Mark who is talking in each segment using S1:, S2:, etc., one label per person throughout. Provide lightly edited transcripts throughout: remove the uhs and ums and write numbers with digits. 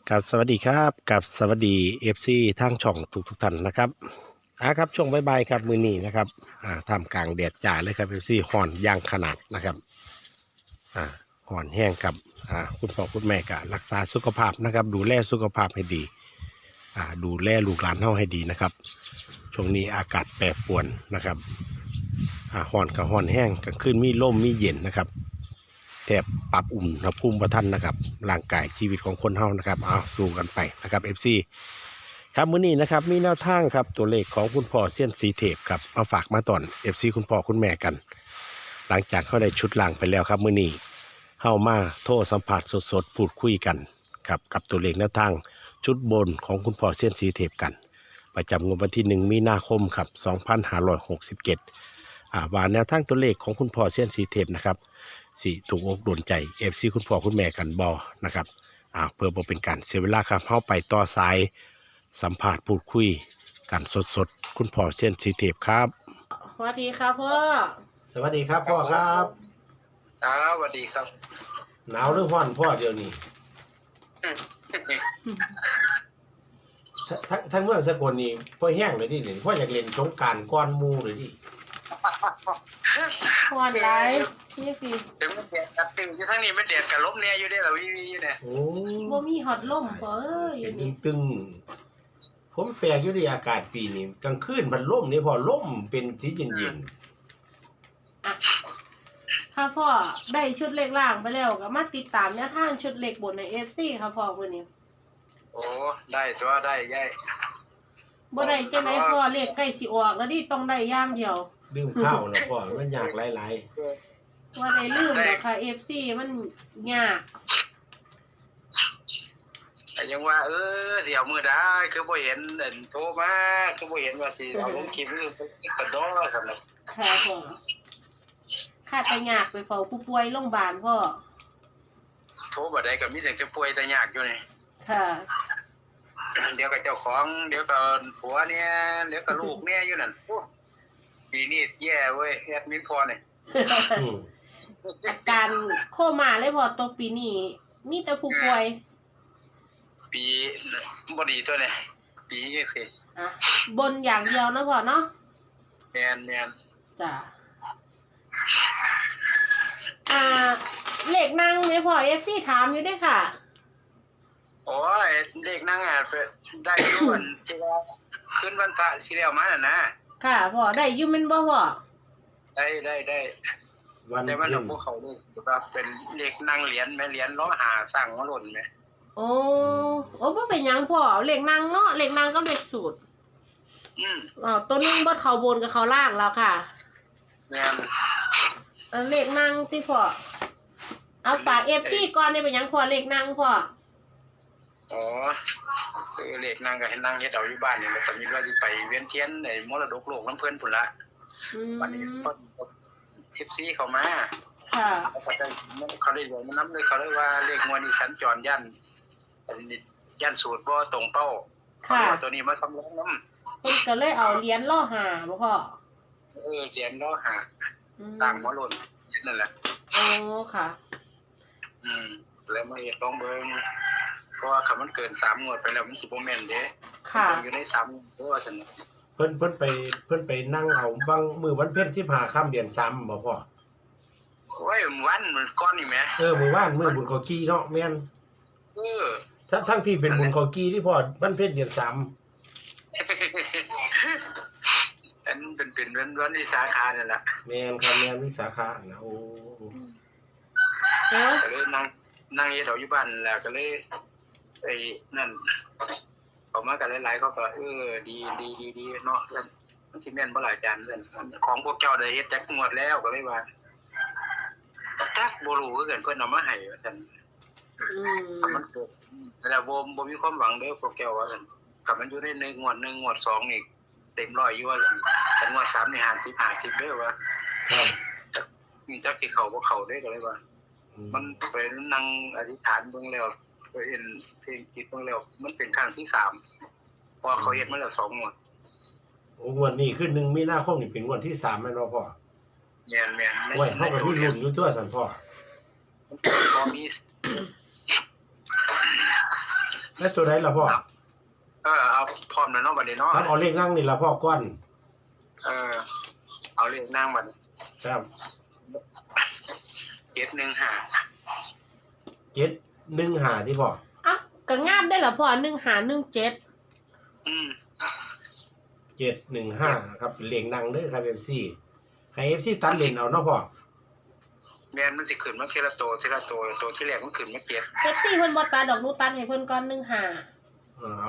S1: กับสวัสดีครับกับสวัสดีFCทางช่องทุกท่านนะครับครับช่วงบ่ายๆครับมือนี้นะครับท่ามกลางแดดจ้าเลยครับ FC ห่อนย่างขนาดนะครับห่อนแห้งกับคุณพ่อคุณแม่ก็รักษาสุขภาพนะครับดูแลสุขภาพให้ดีดูแลลูกหลานเฮาให้ดีนะครับช่วงนี้อากาศแปรปรวนนะครับห่อนกับห่อนแห้งกลางคืนมีลมมีเย็นนะครับแทบปรับอุ่นณภูมิประทันนะครับร่างกายชีวิตของคนเฮานะครับสู้กันไปนะครับ FC ครับมื้อนี้นะครับมีแนวทางครับตัวเลขของคุณพ่อเซียนสีเทพครับมาฝากมาตอน FC คุณพ่อคุณแม่กัน หลังจากเขาได้ชุดล่างไปแล้วครับมื้อนี้เข้ามาโทรสัมผัสสดๆพูดคุยกันครับกับตัวเลขแนวทางชุดบนของคุณพ่อเซียนสีเทพกัน ประจำงวดวันที่1มีนาคมครับ2567ว่าแนวทางตัวเลขของคุณพ่อเซียนสีเทพนะครับสิถูกอกโดนใจ FC คุณพ่อคุณแม่กันบอนะครับเพื่อบ่เป็นการเสียเวลาครับเข้าไปต่อสายสัมภาษณ์พูดคุยกันสดๆคุณพ่อเซียนสีเทพครับ
S2: สวัสดีครับพ่อ
S1: สวัสดีครับพ่อครับ
S3: สวัสดีครับ
S1: หนาวหรือร้อนพ่อเดี๋ยวนี้ทั้งเมืองสกลนี่พ่อแห้งเลยดิพ่ออยากเล่นสงกรานต์ก้อนหมู่เลยดิ
S2: พ่อไลฟ์นี่สิ
S3: ถึงมันแดดกับตึงอยู่ทั้งนี้มันแดดกับลมเนี่ยอยู่ได้เหรอวิเนี่ย
S1: โอ้
S2: บ่มีฮอตลมพ่อเอ้ย
S1: เป็นตึงผมแปลกอยู่ดิอากาศปีนี้กลางคืนมันลมนี่พอลมเป็นสีเย็น
S2: ค่ะพ่อได้ชุดเล็กล่างไปแล้วก็มาติดตามแนวทางชุดเล็กบนใน FC ค่ะพ่อมื้อนี้
S3: โอ้ได้ตัวได้ยัย
S2: บ่ได้จังได๋พ่อเลขใกล้สิออกแล้วดิต้องได้อย่างเดียว
S1: ลืมข้าวแล้วพ่อมันยากหลาย
S2: ๆว่าได้ลืมแล้วค่ะ FC มันยาก
S3: แต่ยังว่าเดี๋ยวมื้อใดคือบ่เห็นโทรมาคือบ่เห็นว่าสิเอาลงคลิปหรือกระดอซั่นน่ะ
S2: ค่ะพ่อข้าไปยากไปเฝ้าผู้ป่วยโรงพยาบาลพ่อ
S3: โทรบ่ได้ก็มีแต่จะป่วยแต่ยากอยู่นี่
S2: ค่ะ
S3: เดี๋ยวกับเจ้าของเดี๋ยวกับผัวเนี่ยเดี๋ยวกับลูกเนี่ยอยู่นั่นปีนี้แย่เว้ยแอดมิดพอเนี่ย
S2: อาการโคม่าเลยพอตกปีนี้มีแต่ผู้ป่วย
S3: ปีบ่ดีตัวเนี่ยปีนี้สิ
S2: บนอย่างเดียวนะพ่อเนาะ
S3: แมน
S2: จ้ะเลขนั่งไหมพ่อFCถามอยู่ด้วยค่ะ
S3: โอ้ยเลขนั่งได้อยู่วันที่ว่าขึ้นวันพระที่แล้วมาน่ะนะ
S2: ค่ะพ่อได้อยู่แม่นบ่พ่อ
S3: ได้วันแต่ว่าพวกเขานี่ว่าเป็นเลขนั่งเหรียญแม่เหรียญล้อหาสร้างมาหล่นแม่
S2: โอ้บ่เป็นหยังพ่อเลขนั่งเนาะเลขนั่งก็เลขสูตรตัวนึงบ่เข้าบนกับเข้าล่างแล้วค่ะ
S3: แม่น
S2: เลขนั่งที่พ่อเอาฝาก FT ก่อนได้เป็นหยังพ่อเลขนั่งพ่อ
S3: อ๋อคือเลขนั่งก็ให้นั่งเฮ็ดเอาอยู่บ้านนี่แหละตอนนี้ว่าสิไปเวียนเทียนในมรดกโลกน้ำเพิ่นพุ่นละวันนี้เพิ่นทิปซี่เข้ามา
S2: ค่ะ
S3: เขาได้บอกมันนำเลยเขาเรียกว่าเลขงวดนี้สัญจรย่านสูตรบ่ตรงเป้าค่ะตัวนี้มาสำรองนำ
S2: เพิ่นก็เลยเอาเหรียญล่อหาบ่พ่อ
S3: เหรียญล่อหาตามหัวโล้นนั่นแหละ
S2: อ๋อค่ะ
S3: แล้วมาเฮ็ดลองเบิ่งเพราะว่าคันมันเกิน3งวดไปแล้วมันสิบ่แม่นเด้
S2: ค่ะ
S3: อยู่ใน3เด้อว่าซั่น
S1: เพิ่นไปนั่งเอาวังมื้อวันเพ็ญ15ค่ำเดือน3บ่พ่อ
S3: โอ้ยวันมื้อก่อนนี่แหม
S1: มื้อวานมื้อบุญข้าวกี้เนาะแม่นทั้งพี่เป็นบุญข้าวกี้ที่พ่อวันเพ็ญเดือน3
S3: อันเป็นวันวิสาขะนั่นล่ะ
S1: แม่นครับแม่นวิสาขะนะโอ้
S3: ก็เลยนั่งเฮ็ดเอาอยู่บ้านแล้วก็เลยไอ้นั่นเขามากันหลายๆเขาก็ดีเนาะมันสิแม่นบ่หลายจานเรื่องของพวกเจ้าได้เฮ็ดจักงวดแล้วก็เลยว่าจักบ่รู้คือกันเพิ่นเอามาให้ว่าซั่นมันเกิดแล้วบ่มีความหวังเด้อพวกเจ้าว่าซั่นถ้ามันอยู่ในงวด1งวด2นี่เต็ม100อยู่ว่าซั่นแต่งวด3นี่50เด้อว่า
S1: ครับ
S3: จักสิเข้าบ่เข้าเด้อก็เลยว่ามันไปนั่งอธิษฐานเบิ่งแล้วไปเห็นเพลงจิตเบิ่งแล้วมันเป็นครั้งที่3พอเขาเฮ็ดมาแล้ว2งวด
S1: งวดนี้คือ1มีนาคมนี่เป็นงวดที่3แม่นบ่พ่อ
S3: แม่น
S1: โอ้ยเฮาก็มีลุ้นอยู่ตัวซั่นพ่อ
S3: พอมี
S1: แล้วตัวไหนล่ะพ่อ
S3: เอาพร้อมแล้วเนาะบัดนี้เนาะ
S1: ครับเอาเลขนั่งนี่ล่ะพ่อก้อน
S3: เอาเลขนั่งบัด
S1: ครับ
S3: 715
S1: 715ที่พ่อ
S2: อ่ะก็งามได้ล่ะพ่อ1517
S1: 715นะครับเป็นเลขนั่งเด้อครับ FC ให้ FC ตัดเลนเอาเนาะพ่อ
S3: แม่นมันสิขึ้นมาทีละตัวตัวที่แรกมันขึ้นมา7
S2: เอฟซีเพิ่นบ่ตัดดอกหนูตัดให้เพิ่นก่อน15
S1: เอา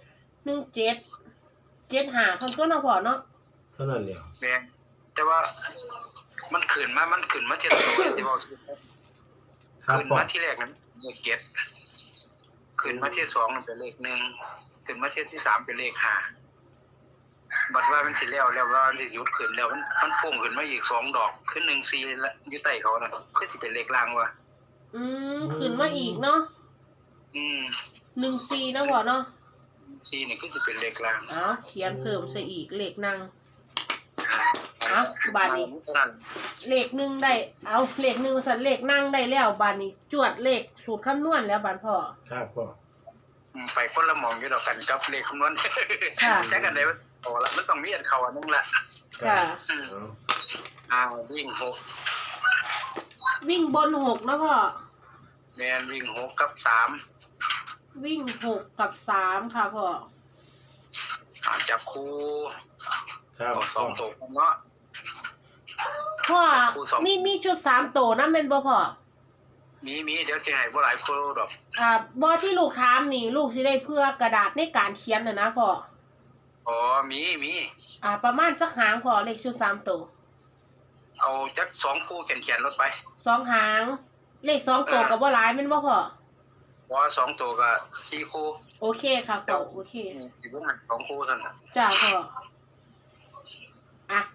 S2: 17 75เพิ่นก็เนาะพ่อเนาะ
S1: เท่านั้นเดียว
S3: แม่นแต่ว่ามันขึ้นมาทีละตัวสิบอก
S1: ครับ
S3: ขึ้น
S1: พ่อ
S3: มาที่แรกนั้นเลข7ขึ้นมาที่2นั่นเป็นเลข1ขึ้นมาที่3เป็นเลข5บัดว่ามันสิแล้วว่ามันสิหยุดขึ้นแล้วมันพุ่งขึ้นมาอีก2ดอกขึ้น14แล้วอยู่ใต้เขาน่ะคือสิเป็นเลขล่างว่ะ
S2: ขึ้นมาอีกเนาะ 14เนาะพ่อเนาะ
S3: 4นี่คือสิเป็นเลขล่าง
S2: เอาเขียนเพิ่มซะอีกเลขนั่งเอาบาดนี้เลขหนึ่งได้เอาเลข1สั่นเลขนั่งได้แล้วบาดนี้จวดเลขสูตรคำนวณแล้วบาดพ่อ
S1: ครับพ่อ
S3: ไปคนละหมองอยู่ดอกกันกับเลขคำนวณ
S2: ค่ะ
S3: แค่กันได้โอ้ละมันต้องมีอันเข้าอันนึงละ
S2: ค่ะ
S3: วิ่ง6
S2: วิ่งบน6นะพ่อ
S3: แม่นวิ่ง6กับ3
S2: วิ่ง6กับ3ค่ะพ่อ
S3: จับคู่
S1: ครับ
S3: สองตัวเนาะ
S2: พ่อ
S3: ครูสอง
S2: มีชุด3ตัวนะแม่นบ่พ่อ
S3: มีเดี๋ยวสิให้บ่หลายคู่ดอก
S2: บ่ที่ลูกถามนี่ลูกสิได้เพื่อกระดาษในการเขียนน่ะนะพ่อ
S3: อ๋อมี
S2: ประมาณจักหางพ่อเลขชุด3ตัว
S3: เอาจัก2คู่เขียนรถไป
S2: 2หางเลข2ตัวก็บ่หลายแม่นบ่พ่อ
S3: ว่า2ตัวก็4คู่
S2: โอเคค่ะพ่อโอเค
S3: สิบ่มัน2คู่เท่านั้น
S2: จ้าพ่ออ่ะ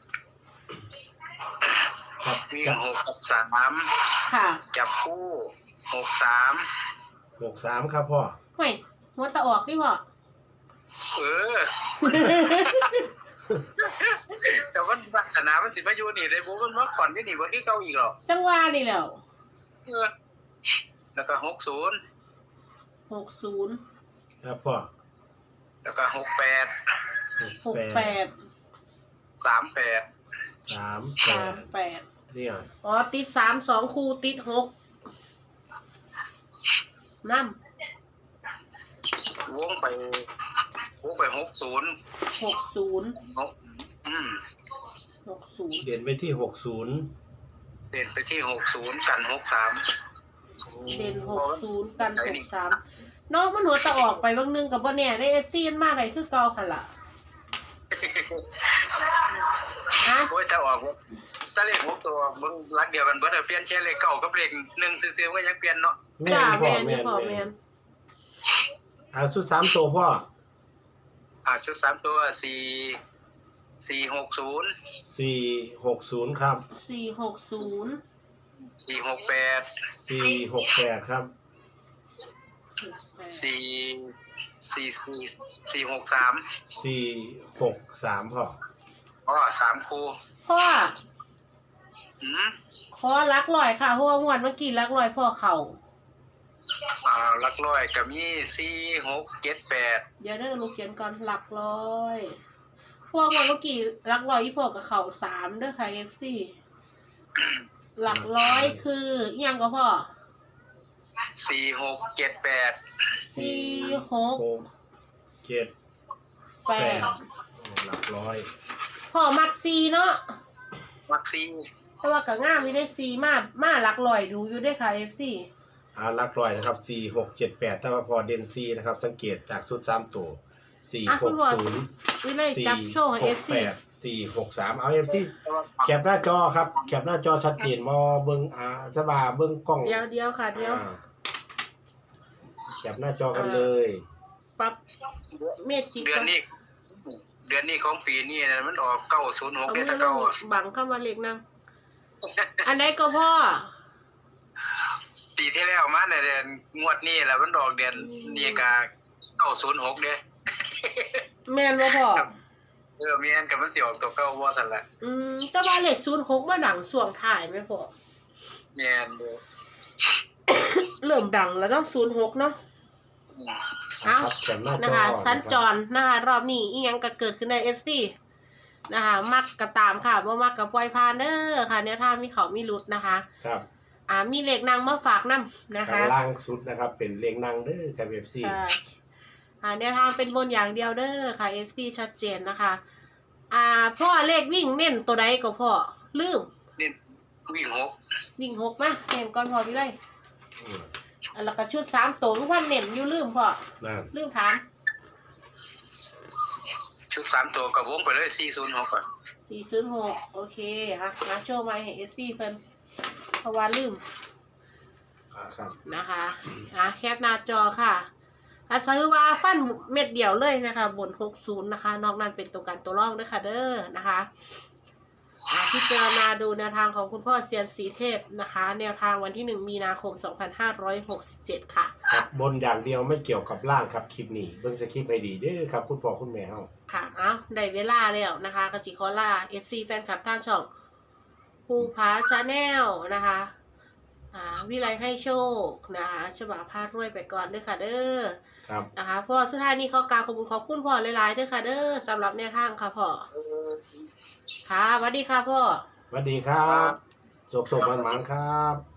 S1: ครับ
S3: วิ่ง
S1: กับ
S3: 6กับ3
S2: ค่ะ
S3: จับคู่63
S1: 63ครับพ่อ
S2: เฮ้ยหัวตะออกดิพ่อ
S3: แต่ว่าศาสนามันสิมาอยู่นี่ได้บ่มันมาขอนที่นี่บ่ที่เก่าอีกหรอก
S2: จังหวะนี่แหล้ว
S3: แล้วก็60
S2: 60
S1: ครับพ่อ
S3: แล้วก็68
S2: 68
S3: 38
S2: 38
S1: เนี่ย
S2: อ๋อติด3 2คู่ติด6นำ
S3: วงไป60
S2: 60 60
S1: เด่นไปที่60
S3: เด่นไปที่60กัน63
S2: เด่น60กัน63น้องมันหัวตะออกไปบางนึงกับบ่แน่ได้ FC มันมาได้คือเก่าหั่นล่ะอ่ะ
S3: โอ้ยถ้าออกถ้าเลข6ตัวมึงรักเดียวกันเบิดเปลี่ยนแค่เลข9กับเลข1ซื่อๆก็ยังเปลี่ยนเนาะ
S2: จ้า
S1: พ่อ
S2: แม่นพ่อแม่น
S1: ชุด3ตัวพ่อ
S3: ชุด3ตัว460
S1: 460ครับ
S2: 460
S3: 468
S1: 468ครับ
S3: 463
S1: 463พ่อ
S3: 3คู่
S2: พ่อขอลักลอยค่ะเพราะว่างวดเมื่อกี้ลักลอยพ่อเข่า
S3: ลักร้อยก็มี4678
S2: เดี๋ยวเด้อลูกเขียนก่อนหลักร้อยพวกวันเมื่อกี้หลักร้อยที่พอกับเขา3เด้อค่ะ FC หลักร้อยคืออิหยังก็พ่อ
S3: 4678
S2: 46
S1: 8
S2: 8
S1: หลักร้อย
S2: พ่อมัก4เนาะ
S3: มักซี
S2: เพราะว่าก็งามมีได้4มาหลักร้อยดูอยู่ด้วยค่ะ FC
S1: หลักร้อยนะครับ4678ถ้าว่าพอเด่น4นะครับสังเกตจากชุด3ตัว460
S2: วิเลยจับโชว์ให้ FC
S1: 463เอา FC แคปหน้าจอครับแคปหน้าจอชัดเจนบ่เบิ่งจะว่าเบิ่งกล้อง
S2: เดี๋ยวค่ะเดี๋ยว
S1: แคปหน้าจอกันเลย
S2: ปรับเมจิก
S3: เดือนนี้ของปีนี้นะมันออก906
S2: เอา
S3: เด้
S2: มื
S3: ตะ
S2: อล
S3: เก่าง
S2: บังเข้ามาเล็กนั่งอันไหนก็พ่อ
S3: ปีที่แล้วมาเนี่ยเดือนงวดนี้แหละมันออกเดือนนี้ก็906เด้
S2: แม่นบ่พ่อ
S3: แม่นก็มันสิออกตัวเก่าบ่ซั่นล่ะ
S2: แต่ว่าเลข06มาดังช่วงท้ายแม่พ่อ
S3: แม่นเด้อ
S2: เริ่มดังแล้วเนาะ06เนาะเอ้า
S1: ครับแขนหน้าจอ
S2: นะคะสัญจ
S1: นะครับ
S2: รนะคะรอบนี้อีหยังก็เกิดขึ้นใน FC นะคะมักก็ตามค่ะบ่มักก็ปล่อยผ่านเด้อค่ะแนวทางมีเขามีหลุดนะคะ
S1: ครับ
S2: มีเลขนางมาฝากนํนะคะ
S1: ข้างล่างสุดนะครับ เป็นเลงนางเด้อครับ FC
S2: แนวทางเป็นบนอย่างเดียวเด้อค่ะ FC ชัดเจนนะคะพ่อเลขวิ่งเน้นตัวใดก็พ่อลืม
S3: นี่วิ่ง6
S2: วิ่ง6นะเน้นก่อนพอพี่เลย
S1: อืม
S2: แล้วก็ชุด3ตัวทุกวันเน้นอยู่ลืมพ่อ
S1: นั่น
S2: ลืมถาม
S3: ชุด3ตัวกับวงไปเลย406ก่อน
S2: 406โอเคมาโชว์มาให้ FC เพิ่นเพราะว่าลืม
S1: ครับ
S2: นะคะแคปหน้าจอค่ะซื้อว่าฟันเม็ดเดียวเลยนะคะบน60นะคะนอกนั้นเป็นตัวกันตัวร่องด้วยค่ะเด้อนะคะพิจารณาดูแนวทางของคุณพ่อเซียนสีเทพนะคะแนวทางวันที่1มีนาคม2567ค่ะ
S1: ครับบนอย่างเดียวไม่เกี่ยวกับล่างครับคลิปนี้เบิ่งสคริปต์ให้ดีเด้อครับคุณพ่อคุณแม่เฮา
S2: ค่ะได้เวลาแล้วนะคะกจิคอล่า FC แฟนคลับท่านช่องภูผาชาแนลนะคะวิไลให้โชคนะคะฉบับพารวยไปก่อนด้วยค่ะเด้อ
S1: ครับ
S2: นะคะพ่อสุดท้ายนี้ขอกราบขอบคุณขอบคุณพ่อหลายๆด้วยค่ะเด้อสำหรับแนวทางค่ะพ่อค่ะสวัสดีค่ะพ่อ
S1: สวัสดีครับสุขๆหวานๆครับ